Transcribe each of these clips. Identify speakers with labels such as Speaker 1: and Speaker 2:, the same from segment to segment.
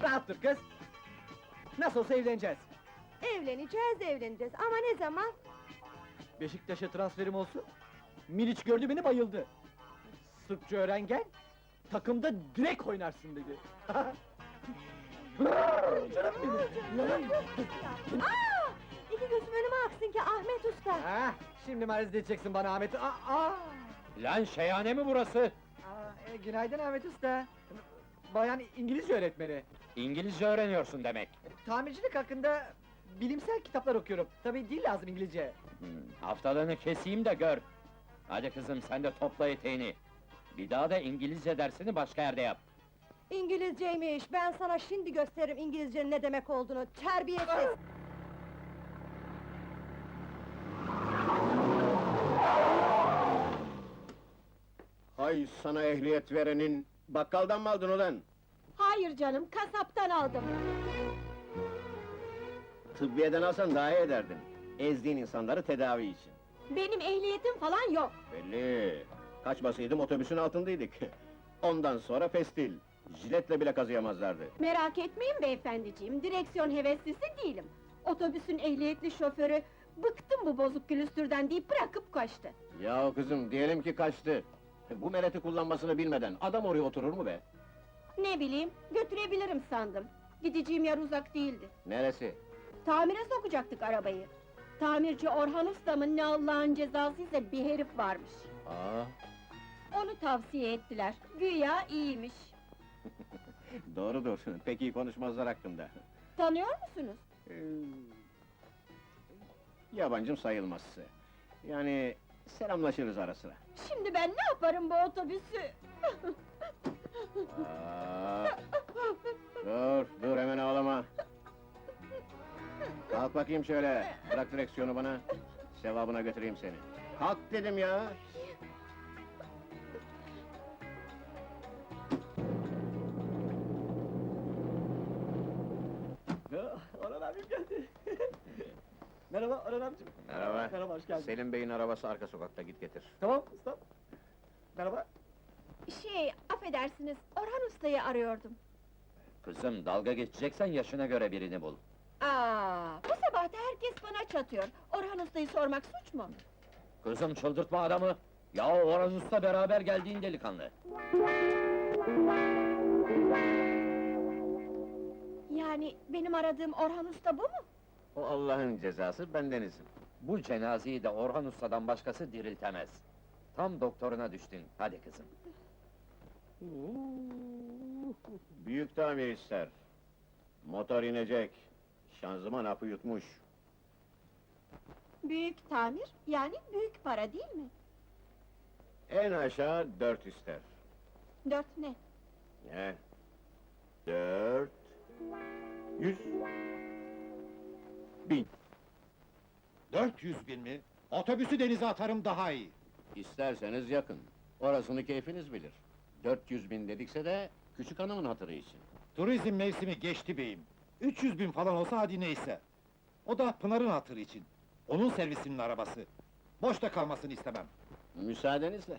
Speaker 1: Rahat dur kız! Nasıl olsa evleneceğiz.
Speaker 2: Evleneceğiz ama ne zaman?
Speaker 1: Beşiktaş'a transferim olsun. Miliç gördü beni bayıldı. Sırpça öğren gel, takımda direkt oynarsın dedi. Canım benim!
Speaker 2: Aa! İki gözüm önüme aksın ki Ahmet Usta!
Speaker 1: Ah, şimdi mariz edeceksin bana Ahmet.
Speaker 3: Lan şeyhane mi burası?
Speaker 1: Günaydın Ahmet Usta. Bayan İngilizce öğretmeni.
Speaker 3: İngilizce öğreniyorsun demek.
Speaker 1: Tamircilik hakkında bilimsel kitaplar okuyorum. Tabii dil lazım İngilizce.
Speaker 3: Haftalığını keseyim de gör. Hadi kızım, sen de topla eteğini. Bir daha da İngilizce dersini başka yerde yap.
Speaker 2: İngilizceymiş, ben sana şimdi gösteririm İngilizcenin ne demek olduğunu, terbiyesiz!
Speaker 4: Hay sana ehliyet verenin, bakkaldan mı aldın ulan?
Speaker 2: Hayır canım, kasaptan aldım!
Speaker 4: Tıbbiyeden alsan daha iyi ederdin. Ezdiğin insanları tedavi için.
Speaker 2: Benim ehliyetim falan yok!
Speaker 4: Belli! Kaçmasaydım otobüsün altındaydık. Ondan sonra pestil. Jiletle bile kazıyamazlardı.
Speaker 2: Merak etmeyin beyefendiciğim, direksiyon heveslisi değilim! Otobüsün ehliyetli şoförü, bıktım bu bozuk külüstürden deyip bırakıp kaçtı!
Speaker 4: Ya kızım, diyelim ki kaçtı. Bu mereti kullanmasını bilmeden adam oraya oturur mu be?
Speaker 2: Ne bileyim, götürebilirim sandım! Gideceğim yer uzak değildi!
Speaker 4: Neresi?
Speaker 2: Tamire sokacaktık arabayı! Tamirci Orhan Ustam'ın ne Allah'ın cezasıysa bir herif varmış!
Speaker 4: Aa,
Speaker 2: Onu tavsiye ettiler, güya iyiymiş!
Speaker 4: doğrudur, pek iyi konuşmazlar hakkında.
Speaker 2: Tanıyor musunuz?
Speaker 4: Ee, Yabancım sayılmaz. Yani selamlaşırız ara sıra.
Speaker 2: Şimdi ben ne yaparım bu otobüsü?
Speaker 4: Aa, dur hemen ağlama. Kalk bakayım şöyle, bırak direksiyonu bana. Sevabına götüreyim seni. Kalk dedim ya!
Speaker 1: Orhan abim geldi. Merhaba Orhan abicim.
Speaker 4: Merhaba.
Speaker 1: Merhaba, hoş geldin.
Speaker 4: Selim Bey'in arabası arka sokakta, git getir.
Speaker 1: Tamam usta. Merhaba.
Speaker 2: Affedersiniz, Orhan Usta'yı arıyordum.
Speaker 3: Kızım, dalga geçeceksen yaşına göre birini bul.
Speaker 2: Bu sabah da herkes bana çatıyor. Orhan Usta'yı sormak suç mu?
Speaker 3: Kızım, çıldırtma adamı! Ya Orhan Usta beraber geldiğin delikanlı.
Speaker 2: Yani benim aradığım Orhan Usta bu mu?
Speaker 4: O Allah'ın cezası, bendenizim.
Speaker 3: Bu cenazeyi de Orhan Usta'dan başkası diriltemez. Tam doktoruna düştün, hadi kızım.
Speaker 4: Büyük tamir ister. Motor inecek. Şanzıman hapı yutmuş.
Speaker 2: Büyük tamir, yani büyük para değil mi?
Speaker 4: En aşağı 4 ister.
Speaker 2: 4 ne?
Speaker 4: Ne? 4... 100... 1000.
Speaker 5: 400 bin mi? Otobüsü denize atarım daha iyi.
Speaker 4: İsterseniz yakın. Orasını keyfiniz bilir. 400 bin dedikse de küçük hanımın hatırı için.
Speaker 5: Turizm mevsimi geçti beyim. 300 bin falan olsa hadi neyse. O da Pınar'ın hatırı için. Onun servisinin arabası. Boşta kalmasını istemem.
Speaker 4: Müsaadenizle.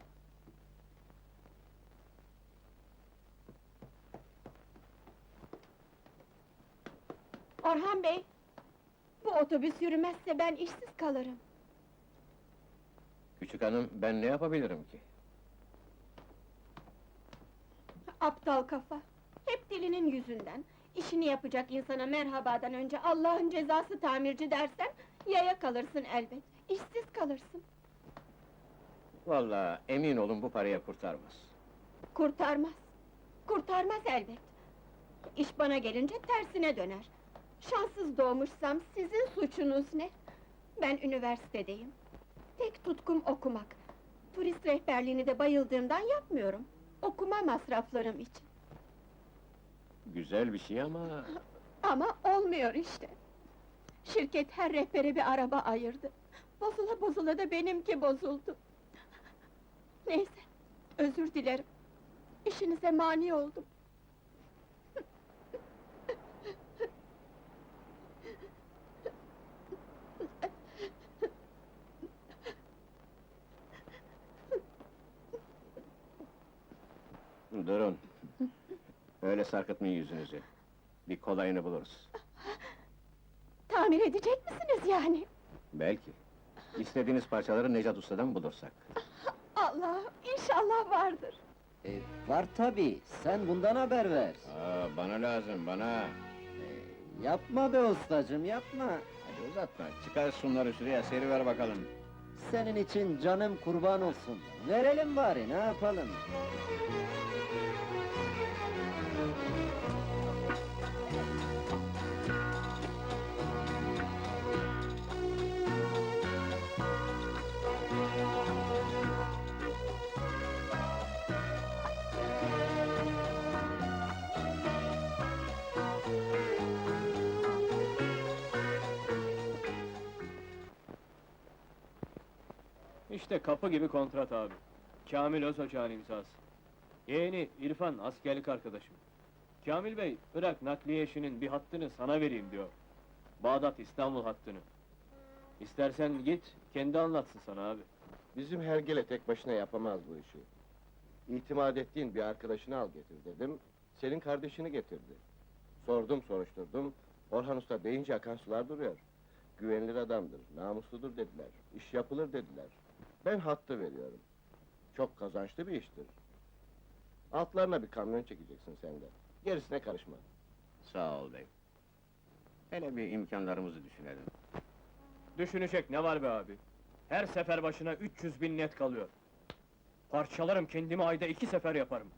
Speaker 2: Orhan Bey! Bu otobüs yürümezse ben işsiz kalırım.
Speaker 4: Küçük hanım, ben ne yapabilirim ki?
Speaker 2: Aptal kafa! Hep dilinin yüzünden! İşini yapacak insana merhabadan önce Allah'ın cezası tamirci dersen, yaya kalırsın elbet, işsiz kalırsın.
Speaker 4: Vallahi emin olun bu paraya kurtarmaz.
Speaker 2: Kurtarmaz! Kurtarmaz elbet! İş bana gelince tersine döner. Şanssız doğmuşsam sizin suçunuz ne? Ben üniversitedeyim. Tek tutkum okumak. Turist rehberliğini de bayıldığımdan yapmıyorum. Okuma masraflarım için.
Speaker 4: Güzel bir şey ama...
Speaker 2: Ama olmuyor işte. Şirket her rehbere bir araba ayırdı. Bozula bozula da benimki bozuldu. Neyse, özür dilerim. İşinize mani oldum.
Speaker 4: Durun. Öyle sarkıtmayın yüzünüzü. Bir kolayını buluruz.
Speaker 2: Tamir edecek misiniz yani?
Speaker 4: Belki. İstediğiniz parçaları Necat Usta'dan bulursak.
Speaker 2: Allah'ım, inşallah vardır.
Speaker 6: Var tabii, sen bundan haber ver.
Speaker 4: Bana lazım, bana!
Speaker 6: Yapma be ustacım, yapma!
Speaker 4: Hadi uzatma, çıkar şunları şuraya, seriver bakalım.
Speaker 6: Senin için canım kurban olsun. Verelim bari, ne yapalım?
Speaker 7: İşte kapı gibi kontrat abi. Kamil Özocağ'ın imzası. Yeğeni İrfan askerlik arkadaşım. Kamil Bey, Irak nakliye işinin bir hattını sana vereyim diyor. Bağdat İstanbul hattını. İstersen git, kendi anlatsın sana abi.
Speaker 8: Bizim hergele tek başına yapamaz bu işi. İtimat ettiğin bir arkadaşını al getir dedim, senin kardeşini getirdi. Sordum, soruşturdum, Orhan Usta deyince akan sular duruyor. Güvenilir adamdır, namusludur dediler, iş yapılır dediler. Ben hattı veriyorum. Çok kazançlı bir iştir. Altlarına bir kamyon çekeceksin sen de. Gerisine karışma.
Speaker 4: Sağ ol bey. Hele bir imkanlarımızı düşünelim.
Speaker 7: Düşünecek ne var be abi? Her sefer başına 300.000 net kalıyor. Parçalarım kendimi ayda 2 sefer yaparım.